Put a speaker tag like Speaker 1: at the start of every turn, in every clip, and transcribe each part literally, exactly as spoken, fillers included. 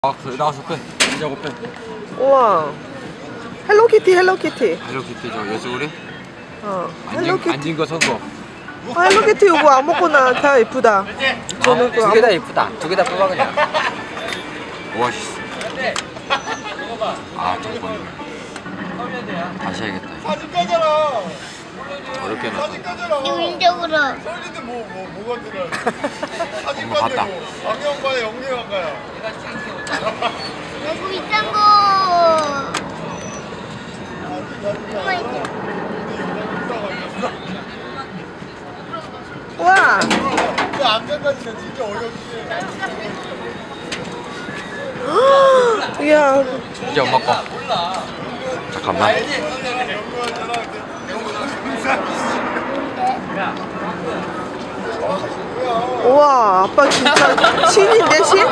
Speaker 1: 아, 그래, 나와서 빼. 진짜고 빼.
Speaker 2: 우와. 헬로키티, 헬로키티.
Speaker 1: 헬로키티 저 예술이?
Speaker 2: 어.
Speaker 1: 앉은,
Speaker 2: 헬로키티.
Speaker 1: 앉은 거 선거.
Speaker 2: 아, 헬로키티 이거 아무거나 다 예쁘다. 저는
Speaker 1: 아,
Speaker 2: 그
Speaker 1: 두 개 다
Speaker 2: 아무...
Speaker 1: 예쁘다. 두 개 다 뽑아 그냥. 오아시스. 아, 잠깐만. 다시 해야겠다.
Speaker 3: 사진 까잖아.
Speaker 1: 어렵게 해놨다.
Speaker 3: 사진 까잖아.
Speaker 4: 인적으로.
Speaker 3: 설리도 뭐, 뭐, 뭐가 들어. 사진
Speaker 1: 엄마 봤다.
Speaker 3: 까대고. 악영가야, 영영가야.
Speaker 4: 여기 비싼 거. 엄마 이제.
Speaker 2: 우와.
Speaker 3: 그 안간까지는 진짜 어렵지.
Speaker 2: 이야.
Speaker 1: 이제 엄마 거. 잠깐만.
Speaker 2: 우와, 아빠 진짜 신인데, 신?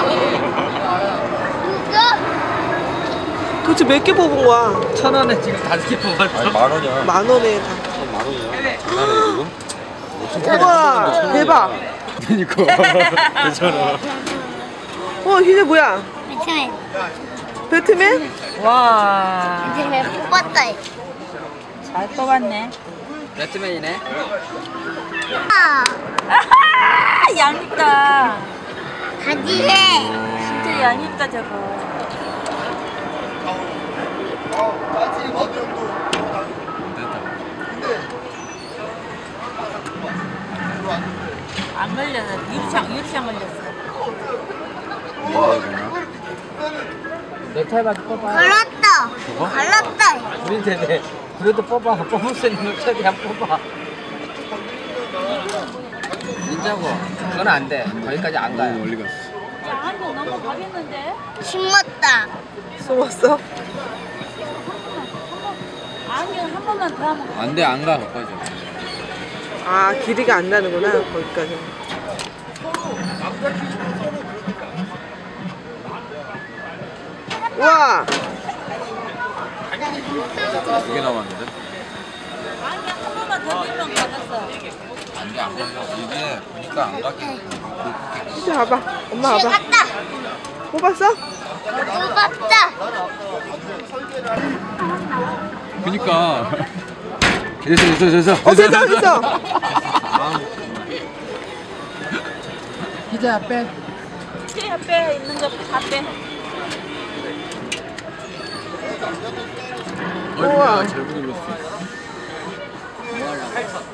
Speaker 4: 누가?
Speaker 2: 도대체 몇 개 뽑은 거야?
Speaker 1: 천 원에 지금 다섯 개 뽑았어. 아니, 만 원이야.
Speaker 2: 만 원에 다.
Speaker 1: 만 원이야. 장난해 지금?
Speaker 2: 우와, 대박.
Speaker 1: 그니까. 괜찮아.
Speaker 2: 어, 희재 뭐야?
Speaker 4: 배트맨.
Speaker 2: 배트맨?
Speaker 5: 와,
Speaker 4: 배트맨 뽑았다.
Speaker 5: 잘 뽑았네.
Speaker 1: 배트맨이네.
Speaker 4: 아,
Speaker 5: 아하, 얄밉다.
Speaker 4: 가지해.
Speaker 5: 진짜 얄밉다 저거.
Speaker 3: 까지 어디 정도.
Speaker 1: 됐다.
Speaker 5: 안 걸려서 유리창 유리창 걸렸어.
Speaker 1: 뭐야 되나?
Speaker 5: 넥타이밖에 뽑아.
Speaker 4: 걸렸다.
Speaker 1: 저거?
Speaker 4: 걸렸다.
Speaker 5: 우리한테 그래도 뽑아. 뽑을 수 있는 걸 최대한 뽑아.
Speaker 6: 진짜고 그건 안 돼. 거기까지 안 가요.
Speaker 1: 멀리 갔어.
Speaker 5: 야, 한 번 넘어가겠는데?
Speaker 4: 심었다.
Speaker 2: 숨었어?
Speaker 5: 안경 한 번만 더 하면
Speaker 1: 안 돼, 안 가, 거기까지.
Speaker 2: 아, 길이가 안 나는구나, 거기까지. 우와.
Speaker 1: 두 개 남았는데?
Speaker 5: 안경 한 번만 더 들면 가졌어.
Speaker 1: 안 돼, 안 걸려. 이게 보니까 안 가게.
Speaker 2: 희재 봐봐. 엄마
Speaker 4: 집에
Speaker 2: 봐봐.
Speaker 4: 갔다.
Speaker 2: 뽑았어?
Speaker 4: 뽑았다.
Speaker 1: 그니까. 됐어, 됐어, 됐어.
Speaker 2: 어, 됐어, 됐어.
Speaker 6: 희재 앞에
Speaker 5: 제 앞에 있는 거 다 빼.
Speaker 2: 우와.
Speaker 1: 잘못 눌렀어.